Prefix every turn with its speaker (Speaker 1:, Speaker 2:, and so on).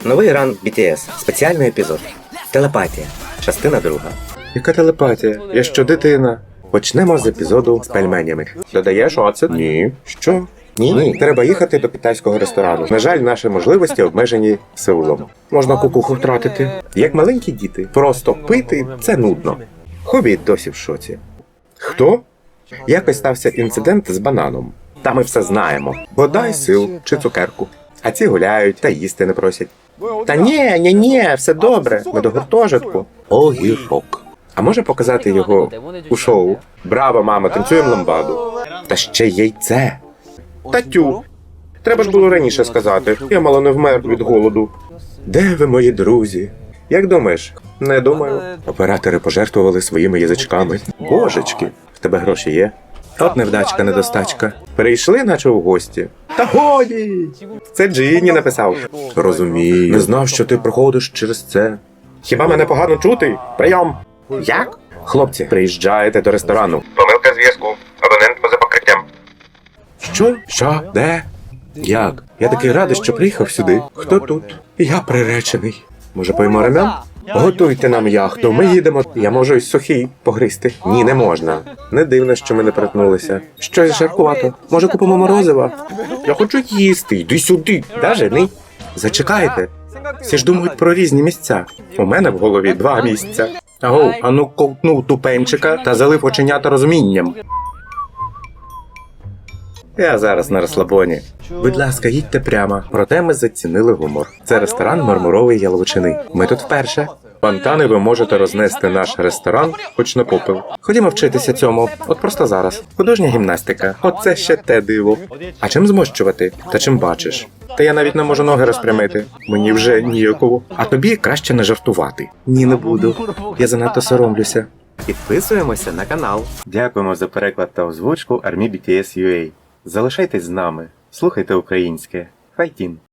Speaker 1: Новий ран BTS. Спеціальний епізод. Телепатія. Частина 2.
Speaker 2: Яка телепатія? Я що, дитина? Почнемо з епізоду з пельменями. Додаєш оцет? Ні. Що? Ні. Треба їхати до китайського ресторану. На жаль, наші можливості обмежені Сеулом. Можна кукуху втратити. Як маленькі діти. Просто пити – це нудно. Хобіт досі в шоці. Хто? Якось стався інцидент з бананом. Та ми все знаємо. Бодай сил чи цукерку. А ці гуляють та їсти не просять. Та ні, все добре. Ми до гуртожитку. Огірок. А може показати його у шоу? Браво, мама, танцюємо ламбаду. Та ще яйце. Татю. Треба ж було раніше сказати. Я мало не вмер від голоду. Де ви, мої друзі? Як думаєш? Не думаю. Оператори пожертвували своїми язичками. Божечки, в тебе гроші є? От невдачка, недостачка. Перейшли, наче у гості. Та годі! Це Джинні написав. Розумію. Не знав, що ти проходиш через це. Хіба мене погано чути? Прийом! Як? Хлопці, приїжджаєте до ресторану. Помилка зв'язку. Абонент поза покриттям. Що? Де? Як? Я такий радий, що приїхав сюди. Хто тут? Я приречений. Може, поїмо рамен? Готуйте нам яхту, ми їдемо. Я можу із сухій погризти. Ні, не можна. Не дивно, що ми не перетнулися. Щось жаркувато. Може, купимо морозива? Я хочу їсти. Йди сюди. Да, жени? Зачекайте. Всі ж думають про різні місця. У мене в голові 2 місця. Агов, ану ковтнув тупенчика та залив оченята розумінням. Я зараз на розслабоні. Будь ласка, їдьте прямо. Проте ми зацінили гумор. Це ресторан Мармурової Яловичини. Ми тут вперше. Фонтани ви можете рознести наш ресторан, хоч на попел. Ходімо вчитися цьому. От просто зараз. Художня гімнастика. Оце ще те диво. А чим змощувати? Та чим бачиш? Та я навіть не можу ноги розпрямити. Мені вже ніяково. А тобі краще не жартувати. Ні, не буду. Я занадто соромлюся.
Speaker 1: Підписуємося на канал.
Speaker 2: Дякуємо за переклад та озвучку Army BTS UA. Залишайтесь з нами. Слухайте українське. Файтін!